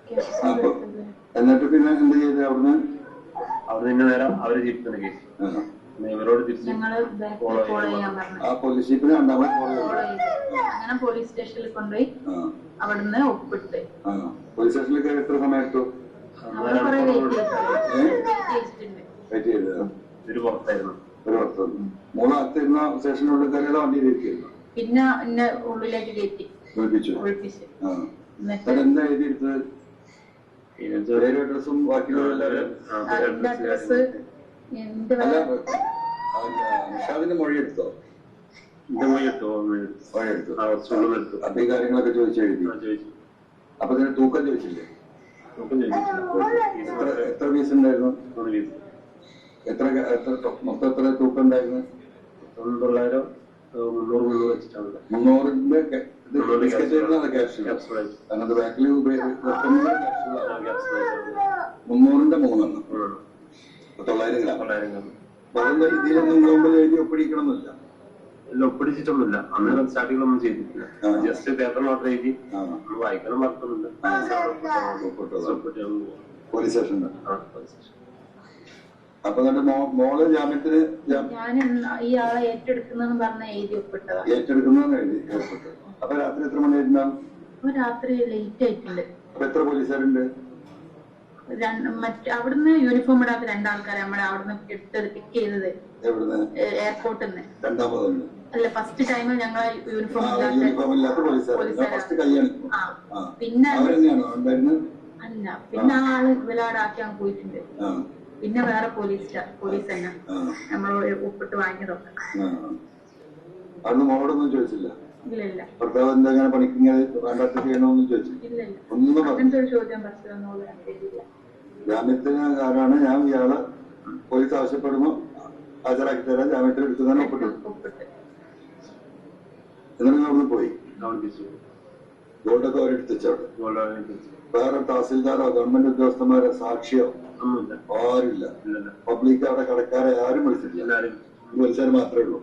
അപ്പൊ എന്നിട്ട് പിന്നെ എന്ത് ചെയ്ത് അവിടുന്ന് ഇന്ന നേരം അവര് തിരിക്കുന്ന കേസ് ഇവരോട് തിരിച്ച് ആ പോലീസ് ജീപ്പിന് അങ്ങനെ പോലീസ് സ്റ്റേഷനിൽ കൊണ്ടുപോയി അവിടുന്ന് ഒപ്പിട്ട് പോലീസ് സ്റ്റേഷനിലേക്ക് എത്ര സമയം എടുത്തു? വെയിറ്റ് ചെയ്ത് ഒരു പുറത്തായിരുന്നു. മൂന്ന് അകത്തിരുന്ന സ്റ്റേഷനുള്ളിൽ കയറിയത് വണ്ടിയിലിരിക്കുന്നു. പിന്നെ എന്നെ ഉള്ളിലേക്ക് കയറ്റി ഒഴിപ്പിച്ചു. എന്താ എഴുതിയെടുത്തത്? അഡ്രസ്സും ബാക്കിയുള്ള നിഷാദിന്റെ മൊഴി എടുത്തോ? അപ്പൊ ഈ കാര്യങ്ങളൊക്കെ ചോദിച്ചു എഴുതി. അപ്പൊ ഇതിന് തൂക്കം ചോദിച്ചില്ലേ? എത്ര പീസ് ഉണ്ടായിരുന്നു? മൊത്തം എത്ര തൂക്കം ഉണ്ടായിരുന്നു? 900 300 വെച്ചിട്ടാണ്. 300ന്റെ അങ്ങനത്തെ ബാക്കിൽ 300ന്റെ 3 900 ഗ്രാം. അതൊന്നും ഇതിലൊന്നും മുമ്പ് എഴുതി ഒപ്പിടിക്കണമെന്നില്ല. ഒപ്പിടിച്ചിട്ടൊന്നുമില്ല. അന്ന് സ്റ്റാർട്ടിങ്ങിലൊന്നും ചെയ്തിട്ടില്ല. ജസ്റ്റ് പേപ്പർ മാത്രം എഴുതി വായിക്കണം പറഞ്ഞിട്ടുണ്ട്. പോലീസ് സ്റ്റേഷനിൽ. അപ്പൊ മോള് ജാമ്യത്തിന് ഇയാളെ ഏറ്റെടുക്കുന്ന പറഞ്ഞ എഴുതി ഒപ്പിട്ടതാ. ഏറ്റെടുക്കുന്ന എഴുതി ഒപ്പിട്ടു. അപ്പൊ രാത്രി എത്ര മണിയായിട്ടുണ്ടാവും? രാത്രി ലേറ്റ് ആയിട്ടുണ്ട്. അപ്പൊ എത്ര പോലീസുകാരുണ്ട്? അവിടുന്ന് യൂണിഫോം ഇടാത്ത 2 ആൾക്കാരെ നമ്മളെ അവിടുന്ന് എടുത്തത് പിക്ക് ചെയ്തത് എയർപോർട്ടിൽ നിന്ന്. രണ്ടാമതുണ്ട് അല്ല, ഫസ്റ്റ് ടൈം ഞങ്ങളെ യൂണിഫോം ഇല്ലാത്ത പോലീസുകാരാണ്. പിന്നെ അല്ല, പിന്നെ ആ ആള് വിലാടാക്കാൻ പോയിട്ടുണ്ട്. പിന്നെ വേറെ പോലീസ് തന്നെ നമ്മളോട് ഒപ്പിട്ട് വാങ്ങിയതൊക്കെ. അന്ന് മോളോടൊന്നും ചോദിച്ചില്ല? ഇല്ല. ഭർത്താവ് എന്തെങ്ങനെ പണിക്കുന്നത് വേണ്ടാത്ത ചെയ്യണമെന്നും ചോദിച്ചില്ല? ഒന്നും അങ്ങനത്തെ ഒരു ചോദ്യം പറ്റില്ല. ജാമ്യത്തിനാണ് ഞാൻ ഇയാളെ പോലീസ് ആവശ്യപ്പെടുമ്പോ ഹാജരാക്കി തരാൻ ജാമ്യത്തിൽ എടുക്കുന്നതാണ് ഒപ്പിട്ടു. എന്നിട്ട് അവിടുന്ന് പോയി ഗോൾഡൊക്കെ അവരെടുത്തിച്ചവിടെ. വേറെ തഹസിൽദാരോ ഗവൺമെന്റ് ഉദ്യോഗസ്ഥന്മാരോ സാക്ഷിയോ ആരുമില്ല. പബ്ലിക് അവിടെ കടക്കാരെ ആരും വിളിച്ചിട്ടില്ല. പോലീസുകാർ മാത്രമേ ഉള്ളൂ.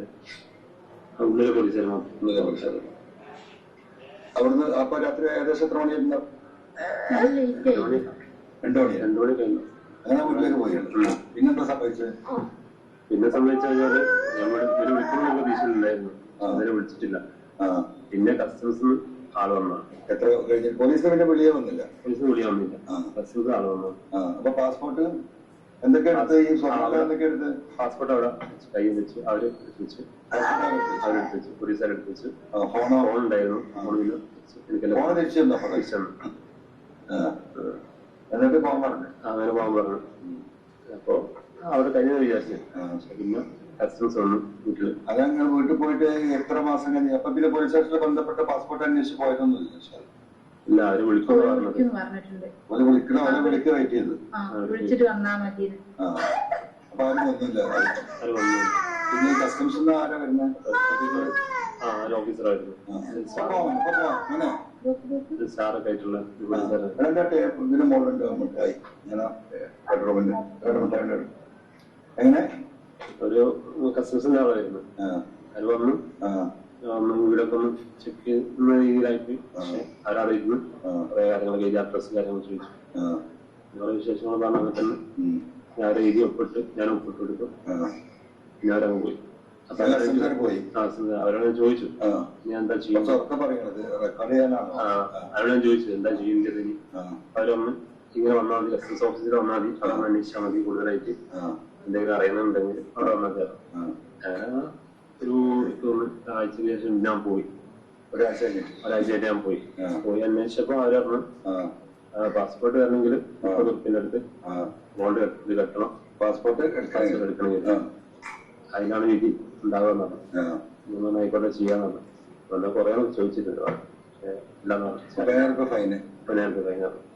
അവിടുന്ന് അപ്പൊ രാത്രി ഏകദേശം എത്ര മണിയായിട്ടുണ്ടാവും? 2 മണി കഴിഞ്ഞു. അങ്ങനെ വീട്ടിലേക്ക് പോയി. പിന്നെന്താ സംഭവിച്ചത്? പിന്നെ സംഭവിച്ചാല് നമ്മള് വിളിക്കുന്ന പ്രതീക്ഷയിലുണ്ടായിരുന്നു. അതിനെ വിളിച്ചിട്ടില്ല. പിന്നെ കസ്റ്റംസ് ആള് വന്ന എത്ര കഴിഞ്ഞു? പോലീസിന് പിന്നെ വിളിയേ വന്നില്ല. പോലീസിന് വിളിയ വന്നില്ല. കസ്റ്റംസ് ആള് വന്നു. അപ്പൊ പാസ്പോർട്ട് എന്തൊക്കെ എടുത്ത്? ഈ എന്തൊക്കെ എടുത്ത്? പാസ്പോർട്ട് അവിടെ കൈ വെച്ച് അവര് വെച്ച് അവരെടുത്ത് വെച്ച് പോലീസുകാരെടുത്ത് വെച്ച് ഫോൺ ഉണ്ടായിരുന്നു. ഫോണില് എന്നിട്ട് പോകാൻ പറഞ്ഞു. അങ്ങനെ പോകാൻ പറഞ്ഞു. അപ്പൊ അവിടെ കഴിഞ്ഞ വിചാരിച്ചു. പിന്നെ കസ്റ്റംസ് വന്നു വീട്ടില്. അതങ്ങനെ വീട്ടിൽ പോയിട്ട് എത്ര മാസം കഴിഞ്ഞു? അപ്പൊ പിന്നെ പോലീസ് സ്റ്റേഷനിൽ ബന്ധപ്പെട്ട പാസ്പോർട്ട് അന്വേഷിച്ച് പോയതൊന്നുമില്ല? ഇല്ല, അവര് വിളിക്കുന്നു പറഞ്ഞിട്ടുണ്ട്. വിളിക്ക് വെയിറ്റ് ചെയ്ത് വിളിച്ചിട്ട് വന്നാ മതി. അപ്പൊ ആരും വന്നില്ല. പിന്നെ കസ്റ്റംസ് ആരാ വരുന്നത്? ഓഫീസറായിരുന്നു. സ്റ്റാറൊക്കെ ആയിട്ടുള്ള ഇതിന് മോളുണ്ട് മിഠായി. എങ്ങനെ ഒരു കസ്റ്റംസിന്റെ ആളായിരുന്നു. അത് വന്നു വീടൊക്കെ ഒന്ന് ചെക്ക് ചെയ്യുന്ന രീതിയിലായിട്ട് അവരവിടെ ഇരുന്ന് കുറെ കാര്യങ്ങളൊക്കെ എഴുതി അഡ്രസ് കാര്യങ്ങൾ ചോദിച്ചു. നിങ്ങളുടെ വിശേഷങ്ങൾ പറഞ്ഞ അങ്ങനെ തന്നെ ഞാൻ എഴുതി ഒപ്പിട്ട് ഞാൻ ഒപ്പിട്ട് കൊടുക്കും. പിന്നെ അവരങ്ങ് പോയി. അപ്പൊ അവരോട് ഞാൻ ചോദിച്ചു ഞാൻ എന്താ ചെയ്യുന്നത്. അവരോട് ഞാൻ ചോദിച്ചു എന്താ ചെയ്യേണ്ടത്. അവരൊന്ന് ഇങ്ങനെ വന്നാൽ മതി, കസ്റ്റംസ് ഓഫീസിൽ വന്നാൽ മതി, അവിടെ അന്വേഷിച്ചാൽ മതി. കൂടുതലായിട്ട് എന്തെങ്കിലും അറിയുന്നുണ്ടെങ്കിൽ അവിടെ വന്നാൽ കയറാം. ഒരു ആഴ്ചക്ക് ശേഷം ഞാൻ പോയി. ഒരാഴ്ചയായിട്ട് ഞാൻ പോയി അന്വേഷിച്ചപ്പോ അവര് പറഞ്ഞു പാസ്പോർട്ട് വരണമെങ്കിൽ 30 ഉറുപ്പിന്റെ അടുത്ത് ഗോൾഡ് ഇത് കെട്ടണം. പാസ്പോർട്ട് എടുക്കണമെങ്കിൽ അതിനാണ് വിധി ഉണ്ടാവുക. ആയിക്കോട്ടെ ചെയ്യാന്ന് പറഞ്ഞു. കൊറേ ചോദിച്ചിട്ടുണ്ട്. പക്ഷെ ഇല്ലാന്ന് പറഞ്ഞു. 15,000 ഫൈനാണ്.